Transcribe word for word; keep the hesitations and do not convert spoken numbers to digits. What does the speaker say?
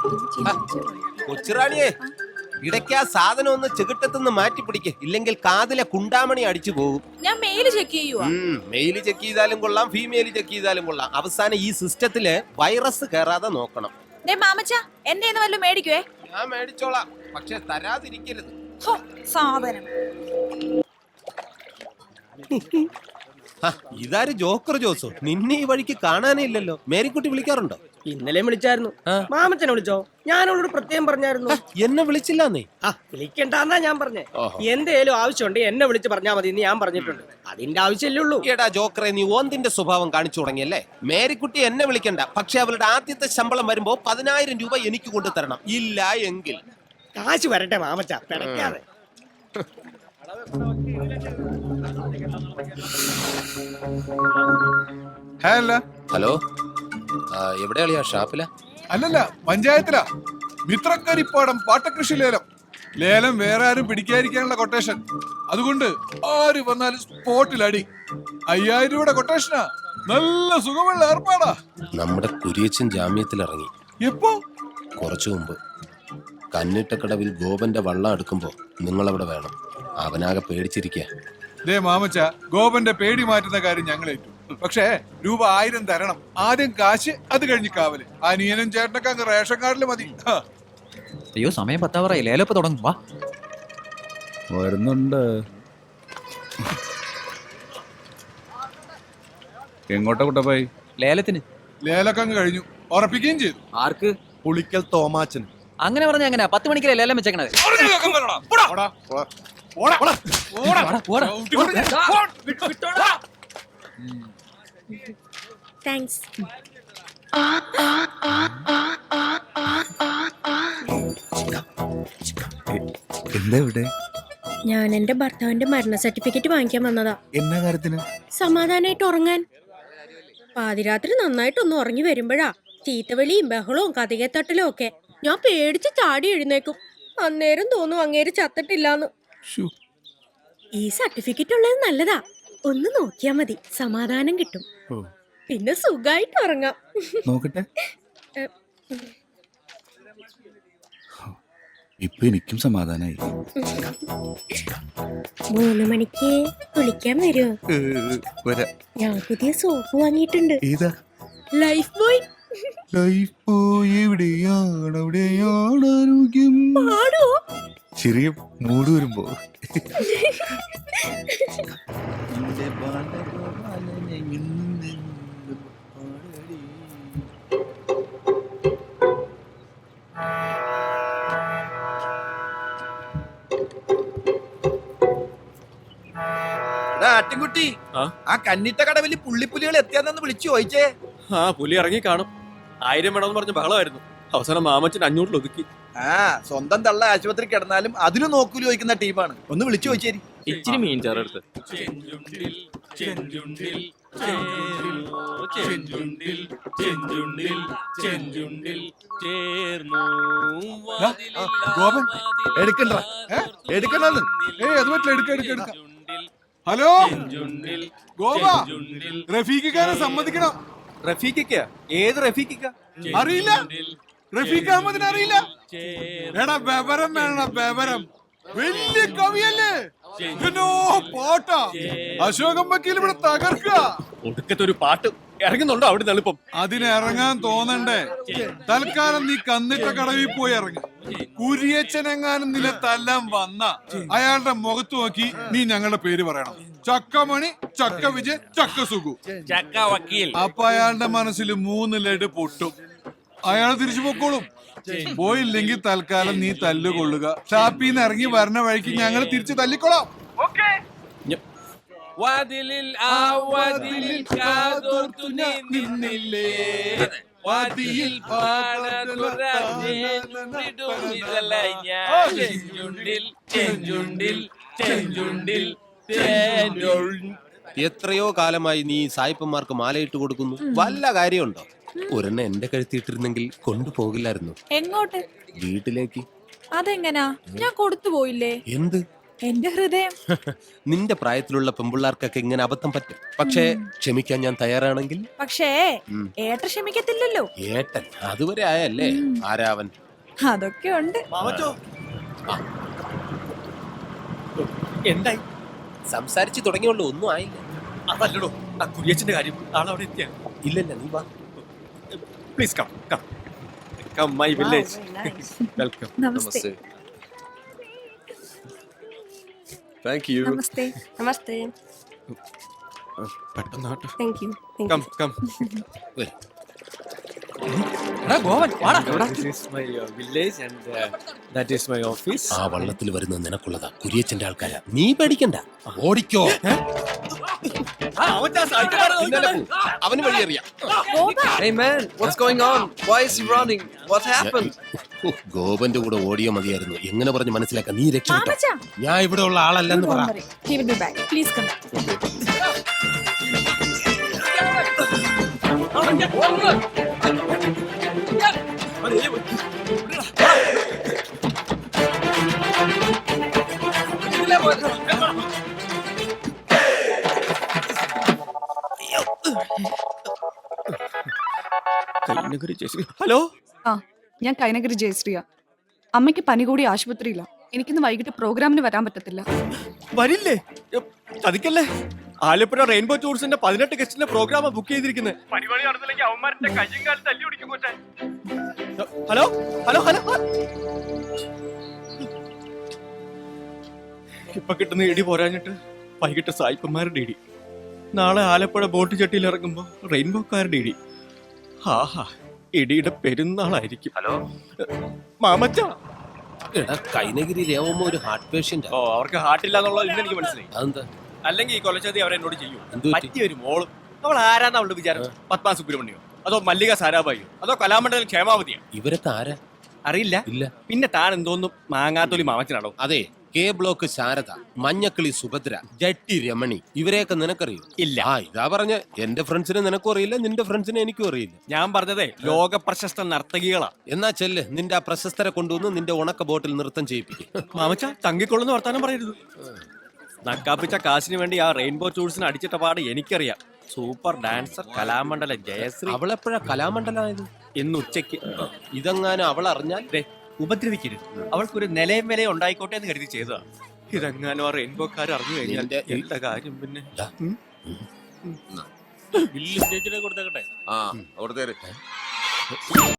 കൊച്ചുറാണിയെ ഇടയ്ക്ക് ആ സാധനം ഒന്ന് ചെകിട്ടത്തുനിന്ന് മാറ്റി പിടിക്ക്, ഇല്ലെങ്കിൽ കാതിലെ കുണ്ടാമണി അടിച്ചു പോകും. ഞാൻ മെയില് ചെക്ക് ചെയ്യുവാ. മെയില് ചെക്ക് ചെയ്താലും കൊള്ളാം, ഫീമെയില് ചെക്ക് ചെയ്താലും കൊള്ളാം. അവസാനം ഈ സിസ്റ്റത്തില് വൈറസ് കയറാതെ നോക്കണം. മാമച്ച എന്റെ വല്ലതും മേടിക്കുവേ. ഞാൻ മേടിച്ചോളാം, പക്ഷെ തരാതിരിക്കരുത്. സാധനം ഇതാര് ജോക്കർ ജോസോ? നിന്നെ ഈ വഴിക്ക് കാണാനേ ഇല്ലല്ലോ. മേരിക്കുട്ടി വിളിക്കാറുണ്ടോ? ഇന്നലെ വിളിച്ചായിരുന്നു. മാമച്ചനെ വിളിച്ചോ? ഞാനോട് പ്രത്യേകം പറഞ്ഞായിരുന്നു. എന്നെ വിളിച്ചില്ലാന്നേ. ആ വിളിക്കണ്ടെന്നാ ഞാൻ പറഞ്ഞേ. എന്തേലും ആവശ്യമുണ്ട് എന്നെ വിളിച്ച് പറഞ്ഞാൽ മതി എന്ന് ഞാൻ പറഞ്ഞിട്ടുണ്ട്. അതിന്റെ ആവശ്യമല്ലേ ഉള്ളൂ. എടാ ജോക്കറെ, നീ ഓന്തിന്റെ സ്വഭാവം കാണിച്ചു തുടങ്ങിയല്ലേ. മേരിക്കുട്ടി എന്നെ വിളിക്കണ്ട, പക്ഷെ അവളുടെ ആദ്യത്തെ ശമ്പളം വരുമ്പോ പതിനായിരം രൂപ എനിക്ക് കൊണ്ടു തരണം. ഇല്ല എങ്കിൽ കാശ് വരട്ടെ മാമച്ച, പിടയ്ക്കാതെ. ഹലോ, എവിടെയാളിയാ? ഷാപ്പില? അല്ലല്ല, പഞ്ചായത്തിലാ. മിത്രക്കരിപ്പാടം പാട്ടകൃഷി ലേലം. ലേലം വേറെ ആരും പിടിക്കാതിരിക്കാനുള്ള കൊട്ടേഷൻ. അതുകൊണ്ട് ആര് വന്നാലും സ്പോട്ടിൽ അടി. അയ്യായിരം രൂപയുടെ കൊട്ടേഷനാ. നല്ല സുഖമുള്ള ഏർപ്പാടാ. നമ്മുടെ കുരിയച്ചൻ ജാമ്യത്തിൽ ഇറങ്ങി. എപ്പോ? കുറച്ചു മുമ്പ്. കന്നിട്ടക്കടവിൽ ഗോപന്റെ വള്ളം എടുക്കുമ്പോ നിങ്ങളവിടെ വേണം. അവനാകെ പേടിച്ചിരിക്കുക. ദേ മാമച്ച, ഗോപന്റെ പേടി മാറ്റുന്ന കാര്യം ഞങ്ങളേറ്റു. പക്ഷേ രൂപ ആയിരം തരണം. ആദ്യം കാശ്, അത് കഴിഞ്ഞ് കാവല്. അനിയനും ചേട്ടനൊക്കെ അങ്ങ് റേഷൻ കാർഡില് മതി. അയ്യോ, സമയം പത്താവറായി. ലേലപ്പ് തുടങ്ങും. വാ, വരുന്നുണ്ട്. എങ്ങോട്ടാ കുട്ടപ്പായി? ലേലത്തിന്. ലേലൊക്കെ അങ്ങ് കഴിഞ്ഞു, ഉറപ്പിക്കുകയും ചെയ്തു. ആർക്ക്? പുളിക്കൽ തോമാച്ചൻ. അങ്ങനെ പറഞ്ഞ എങ്ങനെയാ? പത്ത് മണിക്കല്ലേ ലേലം വെച്ചേക്കണത്. താങ്ക്സ്. എന്താ ഇവിടെ? ഞാൻ എന്റെ ഭർത്താവിന്റെ മരണ സർട്ടിഫിക്കറ്റ് വാങ്ങിക്കാൻ വന്നതാ. എന്നാ കാര്യത്തിന്? സമാധാനായിട്ട് ഉറങ്ങാൻ. പാതിരാത്രി നന്നായിട്ടൊന്ന് ഉറങ്ങി വരുമ്പോഴാ ചീത്തവിളിയും ബഹളവും കഥകത്തട്ടലും ഒക്കെ. ഞാൻ പേടിച്ച് ചാടി എഴുന്നേക്കും. അന്നേരം തോന്നും അങ്ങേര് ചത്തിട്ടില്ലാന്ന്. ഈ സർട്ടിഫിക്കറ്റ് ഉള്ളത് നല്ലതാ. ഒന്ന് നോക്കിയാ മതി, സമാധാനം കിട്ടും. പിന്നെ സുഖായിട്ട് ഉറങ്ങാം. നോക്കട്ടെ. ഇപ്പൊ എനിക്കും സമാധാനായി. മൂന്ന് മണിക്ക് കുളിക്കാൻ വരുമോ? ഞാൻ പുതിയ സോപ്പ് വാങ്ങിയിട്ടുണ്ട്. ഏതാ? Life boy. ലൈഫ് ബോയ് എവിടെയാണ്? അവിടെയാണ് ആരോഗ്യം. പാടോ? ചെറിയ മൂട് വരുമ്പോ. ആട്ടിൻകുട്ടി, ആ കന്നിട്ട കടവില് പുള്ളിപ്പുലികൾ എത്തിയാന്ന് വിളിച്ചു ചോദിച്ചേ. ആ പുലി ഇറങ്ങി കാണും. ആയിരം വേണമെന്ന് പറഞ്ഞ ബഹളമായിരുന്നു. അവസാനം മാമച്ചൻ അഞ്ഞൂറിൽ ഒതുക്കി. ആ സ്വന്തം തള്ള ആശുപത്രി കിടന്നാലും അതിനും നോക്കൂലി ചോദിക്കുന്ന ടീമാണ്. ഒന്ന് വിളിച്ചു ചോദിച്ചേരി. ഇച്ചിരി മീൻ ചേർത്ത്. ഗോപൻ എടുക്കണ്ട, എടുക്കണ്ടെന്ന്. ഏയ് അത് പറ്റില്ല, എടുക്ക എടുക്ക എടുക്ക. ഹലോ ഗോപ, റഫീഖിക്കാരെ സമ്മതിക്കണം. റഫീഖിക്ക? ഏത് റഫീഖിക്ക? അറിയില്ല? റഫീഖ് അഹമ്മദിനെ അറിയില്ല? എടാ ബബരം വേണ, ബബരം. വലിയ കവിയല്ലേ? പാട്ടാ. അശോകം വക്കീൽ ഇവിടെ തകർക്കുക. ഒടുക്കത്തെ ഒരു പാട്ട് ഇറങ്ങുന്നുണ്ടോ അവിടെ എളുപ്പം? അതിന് ഇറങ്ങാൻ തോന്നണ്ടേ? തൽക്കാലം നീ കന്നിട്ട കടവിൽ പോയി ഇറങ്ങി. കുരിയച്ചനെങ്ങാനും നിലത്തെല്ലാം വന്ന അയാളുടെ മുഖത്ത് നോക്കി നീ ഞങ്ങളുടെ പേര് പറയണം. ചക്കമണി, ചക്ക വിജയ്, ചക്ക സുഖു, ചക്ക വക്കീൽ. അപ്പൊ അയാളുടെ മനസ്സിൽ മൂന്ന് ലഡ് പൊട്ടും. അയാൾ തിരിച്ചു പൊക്കോളും. പോയില്ലെങ്കിൽ തൽക്കാലം നീ തല്ലുകൊള്ളുക. ഷാപ്പിന്ന് ഇറങ്ങി വരണ വഴിക്ക് ഞങ്ങൾ തിരിച്ചു തല്ലിക്കൊള്ളാം. വാതിലിൽ ആ വാതിലിൽ കാതോർത്തു നീ നിന്നില്ലേ, വാതിയിൽ ചെഞ്ചുണ്ടിൽ ചെഞ്ചുണ്ടിൽ ചെഞ്ചുണ്ടിൽ. എത്രയോ കാലമായി നീ സായിപ്പന്മാർക്ക് മാലയിട്ട് കൊടുക്കുന്നു. വല്ല കാര്യമുണ്ടോ? ഒരെണ്ണം എന്റെ കഴുത്തിയിട്ടിരുന്നെങ്കിൽ കൊണ്ടുപോകില്ലായിരുന്നു. എങ്ങോട്ട്? വീട്ടിലേക്ക്. അതെങ്ങനാ? ഞാൻ കൊടുത്തു പോയില്ലേ? എന്ത്? എന്റെ ഹൃദയം നിന്റെ പ്രായത്തിലുള്ള പെമ്പിള്ളാർക്കൊക്കെ ഇങ്ങനെ അബദ്ധം പറ്റും. പക്ഷേ ക്ഷമിക്കാൻ ഞാൻ തയ്യാറാണെങ്കിൽ. പക്ഷേ ഉം. ഏട്ട ക്ഷമിക്കത്തില്ലല്ലോ. ഏട്ടൻ അതുവരെ ആയല്ലേ? ആരാവൻ? അതൊക്കെ ഉണ്ട്. മാമച്ചോ എന്തായി? സംസാരിച്ചു തുടങ്ങിയുള്ളൂ, ഒന്നും ആയില്ല. അതല്ലടോ ആ കുര്യച്ചന്റെ കാര്യം. ആളവിടെ എത്തിയ ഇല്ലല്ല, നീ വാ. Please come come come my village. Welcome. നമസ്തേ. Thank you. നമസ്തേ. നമസ്തേ. പെട്ടെന്നാട്ടെ. Thank you. Come come. വരൂ. ഗോവൻ വാടാ. This is my uh, village and uh, that is my office. ആ വള്ളത്തിൽ വരുന്നത് നിനക്കുള്ളതാ, കുര്യച്ചന്റെ ആൾക്കാരാ. നീ പേടിക്കണ്ട, ഓടിക്കോ. ഇന്നലെ പോ. അവന് വഴിയറിയാം. Hey man, what's going on? Why is he running? What happened? ഓ, ഗോപന്റെ കൂടെ ഓടിയോ മതിയായിരുന്നു. എങ്ങനെ പറഞ്ഞ് മനസ്സിലാക്കാം? നീ രക്ഷപ്പെട്ടോ. മാമച്ചാ. ഞാൻ ഇവിടെ ഉള്ള ആളല്ലെന്ന് പറ. Don't worry. He will be back. Please come. Hello, ആ ഞാൻ കൈനഗിരി ജയശ്രീയ. അമ്മയ്ക്ക് പനി കൂടി ആശുപത്രിയില്ല. എനിക്കിന്ന് വൈകിട്ട് പ്രോഗ്രാമിന് വരാൻ പറ്റത്തില്ല. വരില്ലേ? എ, ചതിക്കല്ലേ. ആലപ്പുഴ റെയിൻബോ ടൂറിസ്റ്റിന്റെ പതിനെട്ട് ഗസ്റ്റിന്റെ പ്രോഗ്രാം ബുക്ക് ചെയ്തിരിക്കുന്നത്. Hello hello hello. ഇപ്പൊ കിട്ടുന്ന ഇടി പോരാഞ്ഞിട്ട് വൈകിട്ട് സായിപ്പന്മാരുടെ ഇടി. നാളെ ആലപ്പുഴ ബോട്ട് ചട്ടിയിൽ ഇറങ്ങുമ്പോ റെയിൻബോക്കാരുടെ ഇടി. ആഹാ, ഇടിയുടെ പെരുന്നാളായിരിക്കും. ഹലോ മാമച്ച. എടാ, കൈനഗിരി രേവമ്മ ഒരു ഹാർട്ട് പേഷ്യന്റ്. ഓ, അവർക്ക് ഹാർട്ടില്ല എന്നുള്ളത് ഇന്ന് എനിക്ക് മനസ്സിലായി. അതെന്താ? അല്ലെങ്കിൽ ഈ കൊലച്ചതി അവരെന്നോട് ചെയ്യും. എന്ത് പറ്റി? പറ്റിയൊരു മോളും. അവൾ ആരാന്ന് അവളുടെ വിചാരം? പത്മ സുബ്രഹ്മണ്യോ അതോ മല്ലിക സാരാഭായിയോ അതോ കലാമണ്ഡലം ക്ഷേമാവതിയോ? ഇവരൊക്കെ ആരാ? അറിയില്ല. ഇല്ല. പിന്നെ താൻ എന്തോന്നും മാങ്ങാത്തൊലി മാമച്ചനാണോ? അതെ, കെ ബ്ലോക്ക് ശാരദ, മഞ്ഞക്കിളി സുഭദ്ര, ജട്ടി രമണി, ഇവരെയൊക്കെ നിനക്കറിയോ? ഇല്ല. ആ, ഇതാ പറഞ്ഞ എന്റെ ഫ്രണ്ട്സിനെ നിനക്കും അറിയില്ല, നിന്റെ ഫ്രണ്ട്സിനെ എനിക്കും അറിയില്ല. ഞാൻ പറഞ്ഞതേ ലോക പ്രശസ്ത നർത്തകികളാ. എന്നാ ചെല്ല്, നിന്റെ ആ പ്രശസ്തരെ കൊണ്ടുവന്ന് നിന്റെ ഉണക്ക ബോട്ടിൽ നൃത്തം ചെയ്യിപ്പിക്കും. മാമച്ച തങ്ങിക്കൊള്ളുന്ന വർത്താനം പറയരുത്. നക്കാപ്പിച്ച കാശിന് വേണ്ടി ആ റെയിൻബോ ടൂൾസിന് അടിച്ചിട്ട പാട് എനിക്കറിയാം. Super dancer Kalamandalam Jayashree. അവളെപ്പോഴാ കലാമണ്ഡലമായത്? ഇന്ന് ഉച്ചയ്ക്ക്. ഇതെങ്ങാനും അവൾ അറിഞ്ഞാൽ ദേ, ഉപദ്രവിക്കരുത്. അവൾക്കൊരു നിലയും വിലയും ഉണ്ടായിക്കോട്ടെ എന്ന് കരുതി ചെയ്തതാ. ഇതെങ്ങാനും ആ റെയിൻബോക്കാർ അറിഞ്ഞു കഴിഞ്ഞാൽ നിന്റെ ഈ- എന്താ കാര്യം പിന്നെ? ദാ. ഉം? ആ, കൊടുത്തേര്.